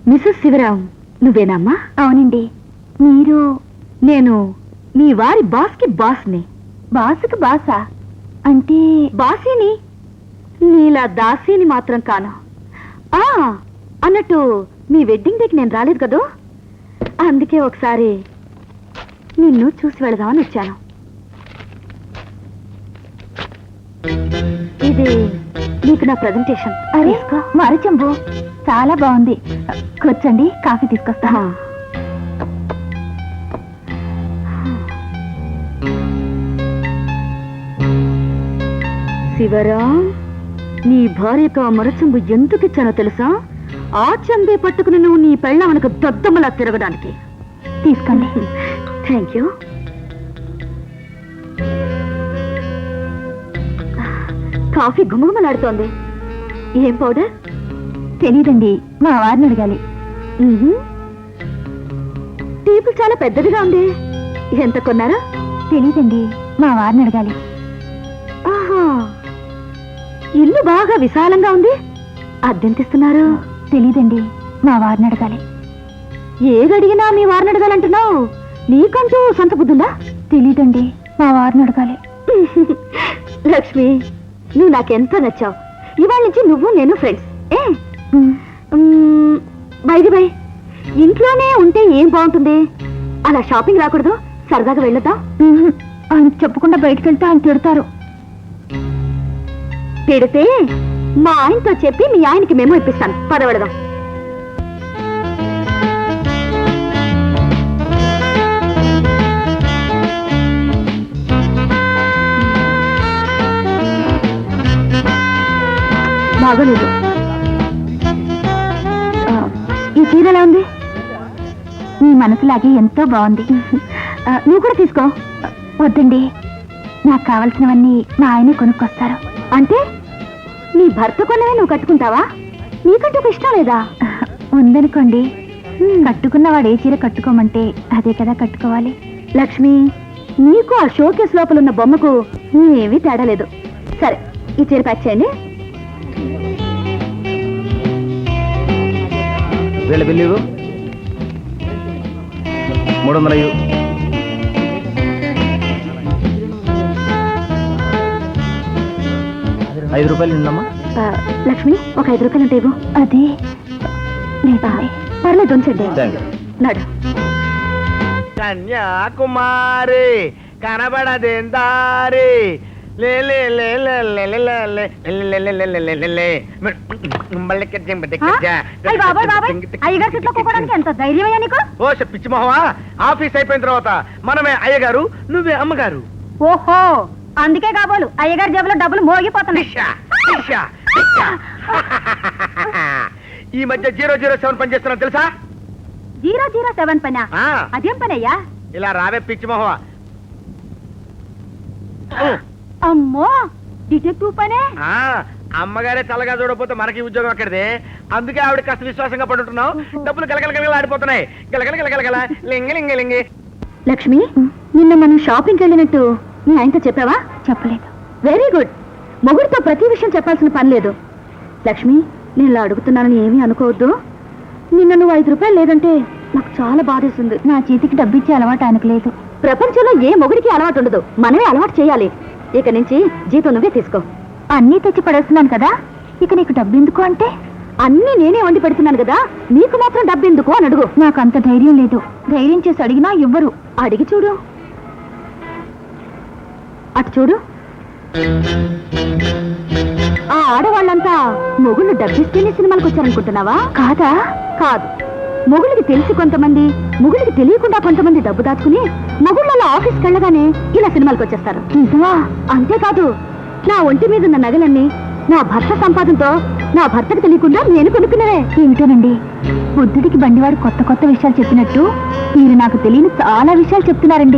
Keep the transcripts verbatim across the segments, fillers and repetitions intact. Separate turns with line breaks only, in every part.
Mrs Sivaram నువ్వేనమ్మా?
అవునండి. మీరు?
నేను మీ వారి బాస్కి బాస్ని.
బాసుకి బాసా అంటే?
బాసీని, నీలా దాసీని మాత్రం కాను. ఆ అన్నట్టు మీ వెడ్డింగ్ డేకి నేను రాలేదు కదూ, అందుకే ఒకసారి నిన్ను చూసి వెళదామని వచ్చాను. ఇది నీకు నా ప్రజెంటేషన్.
అరే మర చెంబు చాలా బాగుంది. కూర్చోండి, కాఫీ తీసుకొస్తా.
శివరాం, నీ భార్యకు ఆ మరచెంబు ఎందుకు ఇచ్చానో తెలుసా? ఆ చెంబే పట్టుకుని నువ్వు నీ పెళ్ళామనకు దద్దమ్మలా తిరగడానికి.
తీసుకోండి.
Thank you. కాఫీ గుమగుమలాడుతోంది. ఏం పౌడర్?
తెలీదండి, మా వారిని అడగాలి.
టేబుల్ చాలా పెద్దదిగా ఉంది. ఎంత కొన్నారా?
తెలీదండి, మా వారిని అడగాలి.
ఆహా, ఇల్లు బాగా విశాలంగా ఉంది. అద్దెంతిస్తున్నారు?
తెలీదండి, మా వారిని అడగాలి.
ఏదడిగినా మీ వారిని అడగాలంటున్నావు. నీకంటూ సొంత బుద్ధుందా?
తెలీదండి, మా వారిని అడగాలి.
లక్ష్మి, నువ్వు నాకెంతో నచ్చావు. ఇవాళ నుంచి నువ్వు నేను ఫ్రెండ్స్. ఏ బైది బై, ఇంట్లోనే ఉంటే ఏం బాగుంటుంది? అలా షాపింగ్ రాకూడదు? సరదాగా వెళ్ళొద్దాం.
ఆయన చెప్పకుండా బయటకు వెళ్తే ఆయన తిడతారు.
తిడితే మా ఆయనతో చెప్పి మీ ఆయనకి మేము ఇప్పిస్తాను. పదవడదాం. బాగోలేదు.
ఈ చీర ఎలా ఉంది? మీ మనసులాగే ఎంతో బాగుంది.
నువ్వు కూడా తీసుకో.
వద్దండి, నాకు కావలసినవన్నీ మా ఆయనే కొనుక్కొస్తారు.
అంటే నీ భర్త కొన్నవే నువ్వు కట్టుకుంటావా? నీకంటూ ఒక ఇష్టం లేదా?
ఉందనుకోండి, కట్టుకున్నవాడు ఏ చీర కట్టుకోమంటే అదే కదా కట్టుకోవాలి.
లక్ష్మి, నీకు ఆ షోకేస్ లోపల ఉన్న బొమ్మకు ఏమీ తేడా లేదు. సరే, ఈ చీర ప్యాక్ చేయండి.
వీళ్ళ బిల్లు మూడు వందల ఐదు రూపాయలు ఉందమ్మా.
లక్ష్మి, ఒక ఐదు రూపాయలు ఉంటే ఇవ్వు.
అదే లేదా?
పర్లేదు, ఉంచండి. నడు.
కన్యాకుమారి కనబడదేందారి
ఎంత ధైర్యమయ్యా నీకు?
ఓ పిచ్చి మొహమా, ఆఫీస్ అయిపోయిన తర్వాత మనమే అయ్యగారు, నువ్వే అమ్మగారు.
ఓహో, అందుకే కాబోలు అయ్యగారి జేబులో డబ్బులు మోగిపోతున్నాయి.
ఈ మధ్య జీరో జీరో సెవెన్ పని చేస్తున్నా తెలుసా?
జీరో జీరో సెవెన్ పనా? అదేం పని అయ్యా?
ఇలా రావే పిచ్చి మొహమా.
అమ్మో, డిటెక్టివ్ పనే.
అమ్మగారే చల్లగా చూడకపోతే మనకి ఉద్యోగం అక్కడిదే. అందుకే ఆవిడ కాస్త విశ్వాసంగా పడుతున్నావు. డబ్బులు గలగల గలగల ఆడిపోతున్నాయి. గలగల గలగల లింగ లింగ లింగి.
లక్ష్మి, నిన్న మనం షాపింగ్కి వెళ్ళినట్టు నీ ఆయనతో చెప్పావా?
చెప్పలేదు.
Very good. మొగుడితో ప్రతి విషయం చెప్పాల్సిన పని లేదు. లక్ష్మి, నేను ఇలా అడుగుతున్నానని ఏమీ అనుకోవద్దు. నిన్న నువ్వు ఐదు రూపాయలు లేదంటే నాకు చాలా బాధేస్తుంది.
నా చేతికి డబ్బు ఇచ్చే అలవాటు ఆయనకు లేదు.
ప్రపంచంలో ఏ మొగుడికి అలవాటు ఉండదు, మనమే అలవాటు చేయాలి. ఇక నుంచి జీతం నువ్వే తీసుకో.
అన్నీ తెచ్చి పడేస్తున్నాను కదా, ఇక నీకు డబ్బు ఎందుకు అంటే?
అన్నీ నేనే వండి పెడుతున్నాను కదా, నీకు మాత్రం డబ్బు ఎందుకు అని అడుగు.
నాకు అంత ధైర్యం లేదు. ధైర్యం చేసి అడిగినా ఇవ్వరు.
అడిగి చూడు. అటు చూడు. ఆ ఆడవాళ్ళంతా మొగుళ్ళు డబ్బిస్తేనే సినిమాలకు వచ్చారనుకుంటున్నావా?
కాదా?
కాదు. మొగుళ్ళకి తెలిసి కొంతమంది, మొగుళ్ళకి తెలియకుండా కొంతమంది డబ్బు దాచుకుని మొగుళ్ళలో ఆఫీస్కి వెళ్ళగానే ఇలా సినిమాలకు వచ్చేస్తారు.
నిజమా?
అంతేకాదు, నా ఒంటి మీద ఉన్న నగలన్నీ నా భర్త సంపాదనతో నా భర్తకు తెలియకుండా నేను కొనుక్కున్నవే.
ఏమిటోనండి, బుద్ధుడికి బండివాడు కొత్త కొత్త విషయాలు చెప్పినట్టు మీరు నాకు తెలియని చాలా విషయాలు చెప్తున్నారండి.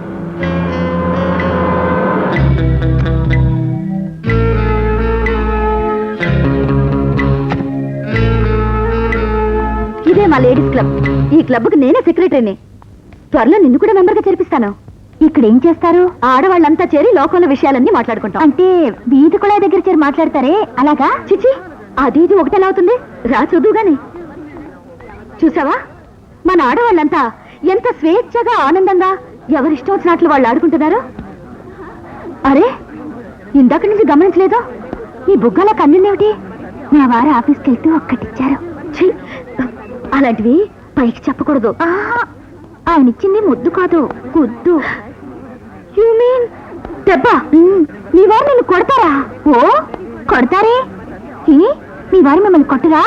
ఇదే మా లేడీస్ క్లబ్. ఈ క్లబ్కి నేనే సెక్రటరీని. త్వరలో నిన్ను కూడా మెంబర్గా చేర్పిస్తాను.
ఇక్కడ ఏం చేస్తారు?
ఆడవాళ్ళంతా చేరి లోకంలో విషయాలన్నీ మాట్లాడుకుంటాం.
అంటే వీధి కూడా దగ్గర చేరి మాట్లాడతారే, అలాగా?
చిచి, అది ఇది ఒకటెలా అవుతుంది? రా చూద్దు గాని. చూసావా మన ఆడవాళ్ళంతా ఎంత స్వేచ్ఛగా ఆనందంగా ఎవరిష్టం వచ్చినట్లు వాళ్ళు ఆడుకుంటున్నారు. అరే ఇందాక నుంచి గమనించలేదు, ఈ బుగ్గల కన్నుందేమిటి?
మా వారు ఆఫీస్కి వెళ్తూ ఒక్కటిచ్చారు.
ఛీ, అలాంటివి పైకి చెప్పకూడదు.
ఆహా, ఆయన ఇచ్చింది ముద్దు కాదు, గుద్దు.
యు మీన్ దెబ్బ? మీ వారు నిన్ను కొడతారా?
ఓ కొడతారే, ఈ, మీ వారు మిమ్మల్ని కొట్టరా?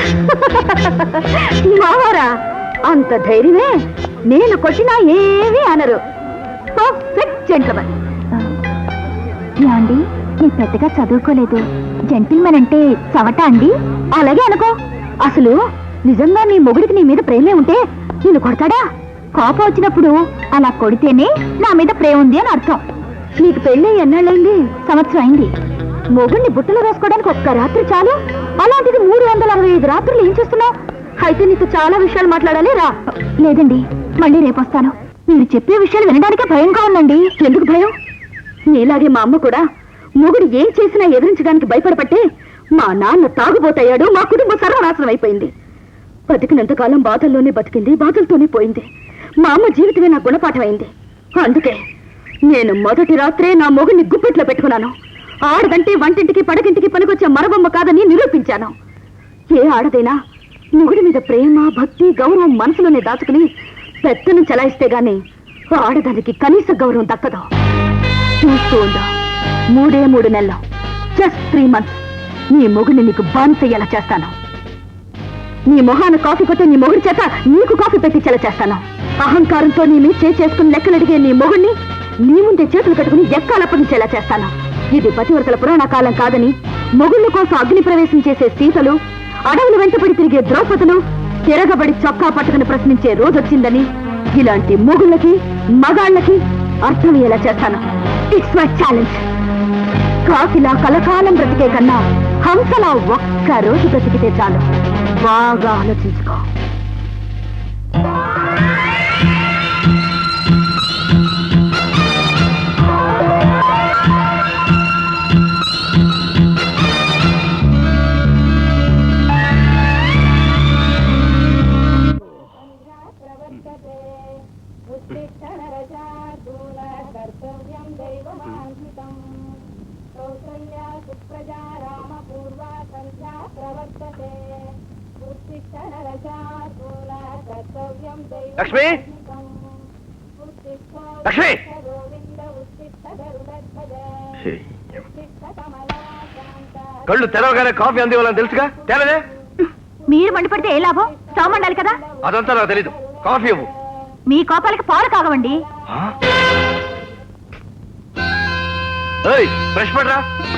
మావారా? అంత ధైర్యమే, నేను కొట్టినా ఏమీ అనరు. Perfect gentleman.
యాండి నేను పెద్దగా చదువుకోలేదు, జెంటిల్మెన్ అంటే చవట అండి?
అలాగే అనుకో. అసలు నిజంగా నీ మొగుడికి నీ మీద ప్రేమే ఉంటే నిన్ను కొడతాడా?
కోపం వచ్చినప్పుడు అలా కొడితేనే నా మీద ప్రేమ ఉంది అని అర్థం.
నీకు పెళ్ళి ఎన్నాళ్ళైంది?
సంవత్సరం అయింది.
మొగుడిని బుట్టలో వేసుకోవడానికి ఒక్క రాత్రి చాలు, అలాంటిది మూడు వందల అరవై ఐదు రాత్రులు ఏం చేస్తున్నావు? అయితే నీకు చాలా విషయాలు మాట్లాడాలి, రా.
లేదండి, మళ్ళీ రేపు వస్తాను.
మీరు చెప్పే విషయాలు వినడానికే భయంగా ఉందండి. ఎందుకు భయం? నీలాగే మా అమ్మ కూడా మొగుడు ఏం చేసినా ఎదిరించడానికి భయపడపట్టే మా నాన్న తాగుబోతయ్యాడు, మా కుటుంబం సర్వనాశనం అయిపోయింది. బతికినంతకాలం బాధల్లోనే బతికింది, బాధలతోనే పోయింది. మా అమ్మ జీవితమే నా గుణపాఠం అయింది. అందుకే నేను మొదటి రాత్రే నా మొగుడిని గుప్పెట్లో పెట్టుకున్నాను. ఆడదంటే వంటింటికి పడకింటికి పనికొచ్చే మరబొమ్మ కాదని నిరూపించాను. ఏ ఆడదైనా మొగుడి మీద ప్రేమ, భక్తి, గౌరవం మనసులోనే దాచుకుని పెద్దను చలాయిస్తే గాని ఆడదానికి కనీస గౌరవం దక్కదు. చూస్తూ ఉండు, మూడే మూడు నెలలు, జస్ట్ త్రీ మంత్స్, నీ మొగుడిని నీకు బానిసయ్యేలా చేస్తాను. నీ మొహాన కాఫీ కొట్టే నీ మొగుడి చేత నీకు కాఫీ పెట్టించేలా చేస్తాను. అహంకారంతో నీ మీద చేయి చేసుకుని లెక్కలడిగే నీ మొగుడిని నీ ముందే చేతులు కట్టుకుని ఎక్కాలప్పగించేలా చేస్తాను. ఇది పతివర్తల పురాణ కాలం కాదని, మొగుళ్ళ కోసం అగ్ని ప్రవేశం చేసే సీతలు, అడవులు వెంటపడి తిరిగే ద్రౌపదులు, తిరగబడి చొక్కా పట్టుకుని ప్రశ్నించే రోజొచ్చిందని ఇలాంటి మొగుళ్ళకి మగాళ్ళకి అర్థమయ్యేలా చేస్తాను. It's my challenge. కాకిలా కలకాలం బ్రతికే కన్నా హంసలా ఒక్క రోజు బ్రతికితే చాలు. బాగా ఆలోచించుకో.
లక్ష్మి, లక్ష్మి, కళ్ళు తెరవగానే కాఫీ అందివ్వాలని తెలుసుగా, తేలదే?
మీరు మండిపడితే ఏ లాభం? స్టవ్ మండాలి కదా.
అదంతా నాకు తెలీదు. కాఫీ ఇవ్వు.
మీ కోపాలకి పాలు కాగవండి.
బ్రష్ పడరా.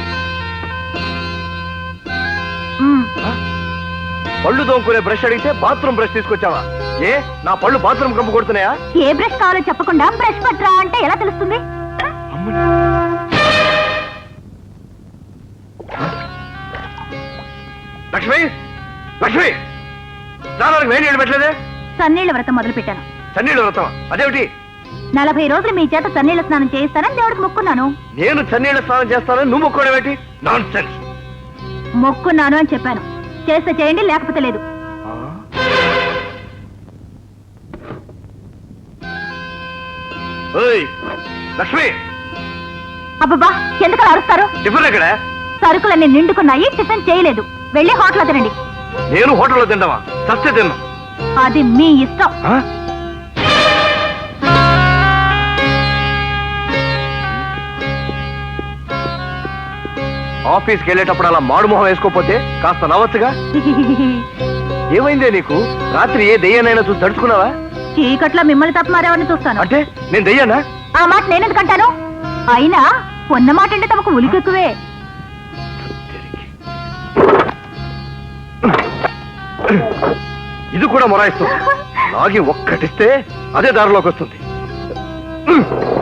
మ్మ్.
పళ్ళు తోముకునే బ్రష్ అడిగితే బాత్రూమ్ బ్రష్ తీసుకొచ్చావా? ఏ నా పళ్ళు బాత్రూమ్ కంపు కొడుతున్నాయా?
ఏ బ్రష్ కావాలో చెప్పకుండా బ్రష్ పట్రా అంటే ఎలా తెలుస్తుంది?
లక్ష్మి, లక్ష్మి, స్నానానికి వేడి నీళ్ళు పెట్టలేదే?
సన్నీళ్ల వ్రతం మొదలు పెట్టాను.
చన్నీళ్ళు వ్రతం అదేమిటి?
నలభై రోజులు మీ చేత సన్నీళ్ల స్నానం చేయిస్తానని దేవుడికి మొక్కున్నాను.
నేను చన్నీళ్ళ స్నానం చేస్తానని నువ్వు మొక్కడం ఏంటి? Non sense.
మొక్కున్నాను అని చెప్పాను. చేస్తే చేయండి, లేకపోతే లేదు.
లక్ష్మి,
అబ్బబ్బా, ఎందుకు అరుస్తారు?
టిఫిన్ ఎక్కడ?
సరుకులన్నీ నిండుకున్నాయి, టిఫిన్ చేయలేదు. వెళ్ళి హోటల్ తినండి.
నేను హోటల్లో తింటావా? సస్తే తిన్నా.
అది మీ ఇష్టం.
ఆఫీస్కి వెళ్ళేటప్పుడు అలా మాడుమొహం వేసుకోపోతే కాస్త నవ్వచ్చుగా. ఏమైందే నీకు? రాత్రి ఏ దెయ్యానైనా చూసి తడుచుకున్నావా?
చీకట్లో మిమ్మల్ని తప్ప మరెవరిని చూస్తాను.
అంటే నేను దెయ్యానా?
ఆ మాట నేనెందుకంటాను? అయినా ఉన్న మాట అంటే తమకు ఉలికెక్కువే.
ఇది కూడా మొరాయిస్తుంది. లాగి ఒక్కటిస్తే అదే దారిలోకి వస్తుంది.